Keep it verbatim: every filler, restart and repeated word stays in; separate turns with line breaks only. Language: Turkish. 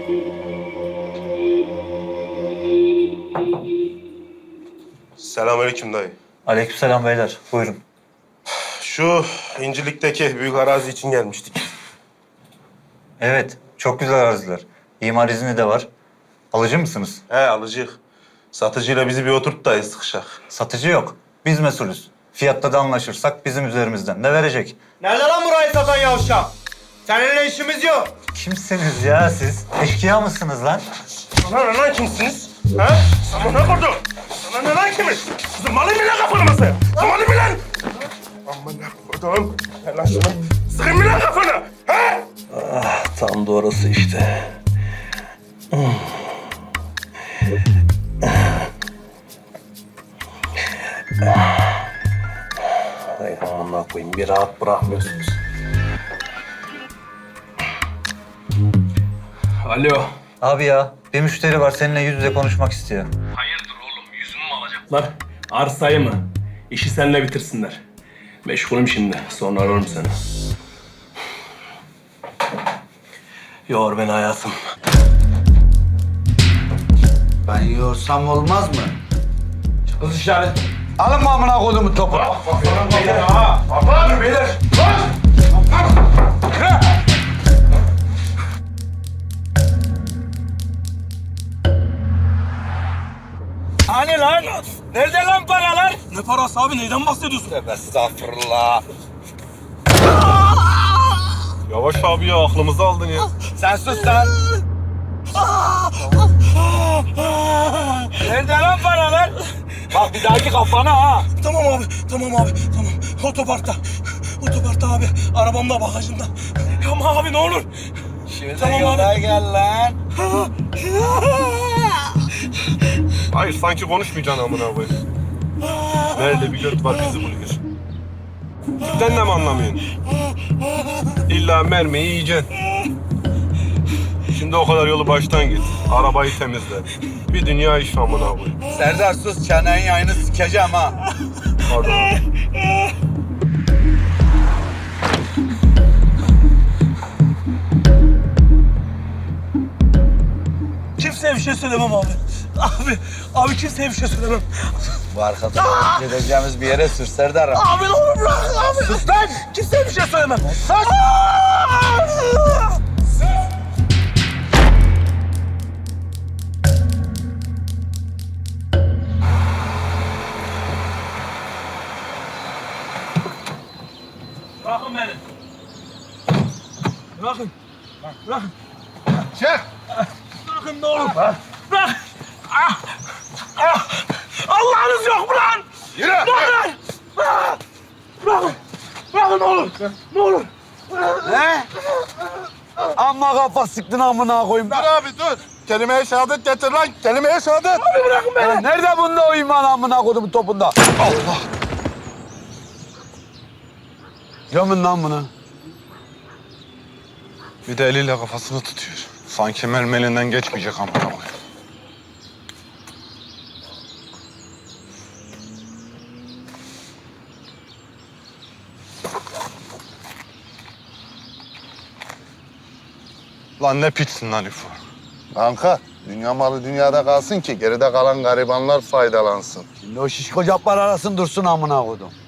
Selamünaleyküm dayı.
Aleykümselam beyler. Buyurun.
Şu İncirlik'teki büyük arazi için gelmiştik.
Evet, çok güzel araziler. İmar izni de var. Alıcı mısınız?
He alıcıyık. Satıcıyla bizi bir oturt dayı sıkışak.
Satıcı yok. Biz mesulüz. Fiyatta da anlaşırsak bizim üzerimizden de verecek.
Nerede lan burayı satan yavşak? Seninle işimiz yok.
Kimsiniz ya siz? Eşkıya mısınız lan?
Sana ne lan kimsiniz? Ha? Sana ne vurdu? Sana ne lan kimiz? Zırmalayım mı lan kafanı masaya? Zırmalayım mı lan? Aman ne vurdum? Ver lan şunu. Sıkayım mı lan kafanı? Ha?
Ah, tam da orası işte. Ay amına koyayım, bir rahat bırakmıyorsunuz. Alo.
Abi ya, bir müşteri var seninle yüz yüze konuşmak istiyor.
Hayırdır oğlum, yüzümü mü alacaklar? Arsayı mı? İşi seninle bitirsinler. Meşgulüm şimdi, sonra ararım seni. Yor beni hayatım.
Ben yorsam olmaz mı?
Kız dışarı.
Alın mı amına kodumu topu?
Beyler ha! Kapan beyler! Lan!
Hani lan? Nerede lan paralar? Ne parası abi? Neyden bahsediyorsun?
Estağfurullah.
Yavaş abi ya aklımızı aldın ya.
Sen sus lan.
Nerede lan paralar?
Bak bir dahaki kafana ha.
Tamam abi, tamam abi, tamam. Otoparkta. Otoparkta abi. Arabamda, bagajımda. Ama abi ne olur.
Şöyle
Tamam
yola
abi.
gel lan.
Hayır sanki konuşmayacaksın amına koyayım. Nerede bir göt var bizi buluyor. Sen de mi anlamıyorsun? İlla mermiyi yiyeceksin. Şimdi o kadar yolu baştan git. Arabayı temizle. Bir dünya iş amına koyayım.
Serdar sus, çenenin yayını sikeceğim ha.
Hadi abi.
Kimseye bir şey söylemem abi. Abi, abi kimseye bir şey söylemem.
Bu arkadaş gideceğimiz bir yere sür Serdar.
Abi ne olur bırak abi. Sus lan. Kimseye bir şey söylemem. Sus. Bırakın beni. Bırakın. Bırakın.
Çek!
Bırakın ne olur. Bırak. Ah. Ah. Allah'ınız yok mu lan?
Yürü!
Bırakın. Bırakın. Bırakın. Bırakın ne olur. Ne olur.
He? Amma kafa sıktın amına koyayım.
Dur abi dur. Kelime-i şehadet getir lan. Kelime-i şehadet.
Abi bırakın beni.
Ya nerede bunda o iman amına kodumun topunda? Allah! Gömün lan bunu.
Bir de eliyle kafasını tutuyor. Sanki mermi elinden geçmeyecek amına koyayım. Lan ne piçsin lan İfo.
Kanka, dünya malı dünyada kalsın ki geride kalan garibanlar faydalansın.
Şimdi o şişko caplar arasın dursun amına kodum.